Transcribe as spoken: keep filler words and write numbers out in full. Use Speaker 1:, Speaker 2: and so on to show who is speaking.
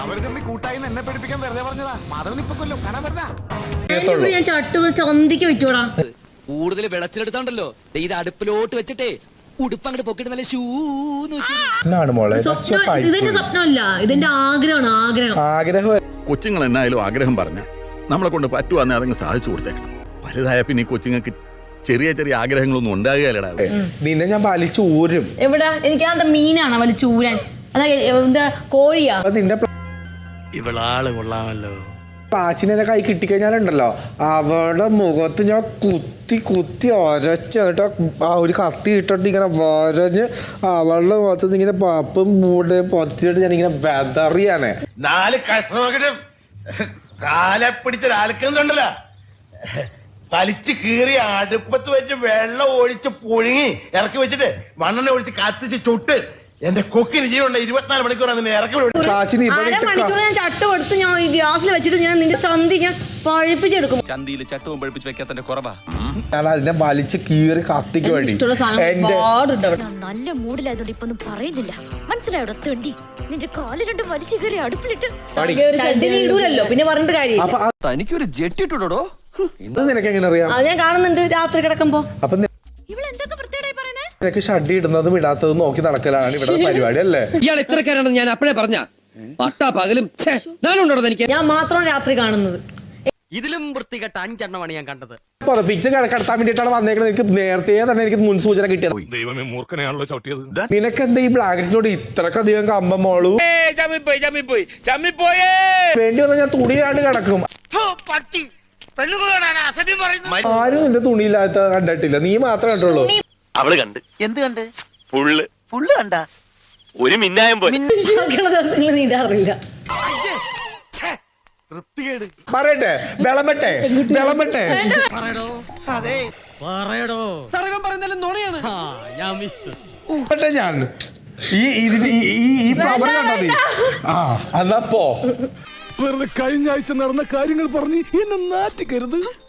Speaker 1: അവര് തമ്മിൽ കൂട്ടായി എന്നെ പഠിപ്പിക്കാൻ വെറുതെ പറഞ്ഞതാ. മാധവൻ ഇപ്പൊ കൊല്ലും കാണാൻ വരുന്ന
Speaker 2: ഞാൻ ചട്ടു ചന്തിക്ക് വെച്ചോടാ.
Speaker 3: കൂടുതൽ വെളച്ചിലെടുത്താണ്ടല്ലോ ഇത് അടുപ്പിലോട്ട് വെച്ചിട്ടേ ഉടുപ്പ് അങ്ങോട്ട് പൊക്കിട്ട് നല്ല ഷൂന്ന്
Speaker 2: ഇതെന്റെ സ്വപ്നമല്ല, ഇതെന്റെ ആഗ്രഹമാണ്. ആഗ്രഹം
Speaker 4: ആഗ്രഹം
Speaker 5: കൊച്ചുങ്ങൾ എന്നായാലും ആഗ്രഹം പറഞ്ഞ നമ്മളെ കൊണ്ട് പറ്റുവാന്നെ അതങ്ങ് സാധിച്ചു കൊടുത്തേക്കണം. വലുതായ പിന്നെ ഈ കൊച്ചുങ്ങൾക്ക് ചെറിയ ചെറിയ ആഗ്രഹങ്ങളൊന്നും ഉണ്ടാകുകയല്ലടാ.
Speaker 4: നിന്നെ ഞാൻ വലിച്ചു ഊരും.
Speaker 2: എവിടെ എനിക്ക് എന്താ മീനാണ് വലിച്ചു ഊരാൻ? അതാ എന്താ കോഴിയാ?
Speaker 4: നിന്റെ
Speaker 6: ഇവളാള് കൊള്ളാമല്ലോ.
Speaker 4: പാച്ചിനെ കൈ കിട്ടിക്കഴിഞ്ഞാലുണ്ടല്ലോ അവളുടെ മുഖത്ത് ഞാൻ കുത്തി കുത്തി ഒരച്ചിട്ട് ആ ഒരു കത്തി ഇട്ടിട്ട് ഇങ്ങനെ വരഞ്ഞ് അവളുടെ മുഖത്ത് ഇങ്ങനെ പപ്പും മൂടയും പൊത്തിട്ട് ഞാൻ ഇങ്ങനെ വെതറിയാണ്.
Speaker 7: നാല് കഷ്ണമൊക്കെ കാലെ പിടിച്ചൊരാൾക്കുന്നുണ്ടല്ലോ, വലിച്ചു കീറി അടുപ്പത്ത് വെച്ച് വെള്ളം ഒഴിച്ച് പുഴുങ്ങി ഇറക്കി വെച്ചിട്ട് മണ്ണെണ്ണ ഒഴിച്ച് കത്തിച്ച് ചുട്ട് എന്റെ കൊക്കിന് ജീവനുണ്ട്. ഇരുപത്തിനാല് മണിക്കൂറാണ് നിന്നെ ഇറക്കി
Speaker 2: അരമണിക്കൂർ ഞാൻ ചട്ട കൊടുത്ത് ഞാൻ ഈ ഗ്യാസിൽ വെച്ചിട്ട് ഞാൻ നിന്റെ ചന്തി ഞാൻ പഴുപ്പിച്ചെടുക്കും.
Speaker 6: ചന്തിയിൽ ചട്ടവും പഴുപ്പിച്ച് വെക്കാത്തന്റെ കുറവാ.
Speaker 4: ഞാൻ അതിനെ വലിച്ച് കീറി കത്തിക്ക് വേണ്ടി
Speaker 8: നല്ല മൂഡിലായതുകൊണ്ട് ഇപ്പൊ ഒന്നും പറയുന്നില്ല. മനസ്സിലായോടോ തെണ്ടി, നിന്റെ കാല് രണ്ടും വലിച്ചു കയറി അടുപ്പിലിട്ട്
Speaker 2: ഇടൂലല്ലോ, പിന്നെ പറഞ്ഞിട്ട് കാര്യം.
Speaker 6: തനിക്കൊരു ജെറ്റ് ഇട്ടുടോ.
Speaker 4: നിനക്ക് എങ്ങനെ അറിയാം?
Speaker 2: ഞാൻ കാണുന്നുണ്ട് രാത്രി കിടക്കുമ്പോ.
Speaker 4: അപ്പൊ നിനക്ക് ഷഡ്ഡി ഇടുന്നതും ഇടാത്തതും നോക്കി നടക്കലാണ് ഇവിടെ പരിപാടി അല്ലേ?
Speaker 3: ഇയാൾ ഇത്രക്കാരാണെന്ന് ഞാൻ അപ്പഴേ പറഞ്ഞ പട്ടാ പകലും ഞാനുണ്ടോ എനിക്ക്.
Speaker 2: ഞാൻ മാത്രമാണ് രാത്രി കാണുന്നത്.
Speaker 3: ഇതിലും വൃത്തികെട്ട അഞ്ചെണ്ണമാണ് ഞാൻ കണ്ടത്.
Speaker 4: പിക്ചർ കിടത്താൻ വേണ്ടിട്ടാണ് വന്നേക്കുന്നത്. എനിക്ക് നേരത്തെ തന്നെ എനിക്ക് മുൻസൂചന കിട്ടിയത്.
Speaker 1: ദൈവമേ, മൂർഖനെയാണല്ലോ ചവിട്ടിയത്.
Speaker 4: നിനക്കെന്താ ഈ ബ്ലാങ്കറ്റിനോട് ഇത്രക്കധികം കമ്പം മോളു? വേണ്ടി വന്നാൽ ഞാൻ തുണിയിലാണ്ട് കിടക്കും. ആരും നിന്റെ തുണിയില്ലാത്ത കണ്ടിട്ടില്ല, നീ മാത്രമേ കണ്ടുള്ളൂ.
Speaker 6: അവള് കണ്ട്. എന്ത് കണ്ട്? ഫുള്ള് ഫുള്ള് കണ്ട ഒരു മിന്നായം പോലെ.
Speaker 2: നീണ്ടാറില്ല.
Speaker 4: പറയട്ടെ, വിളമ്പട്ടെ വിളമ്പട്ടെ ഞാൻ ഈ ഈ ഫ്ലവർ കണ്ടാ മതി. ആ എന്നപ്പോ
Speaker 5: വെറുതെ കഴിഞ്ഞ ആഴ്ച നടന്ന കാര്യങ്ങൾ പറഞ്ഞ് എന്നെ നാറ്റിക്കരുത്.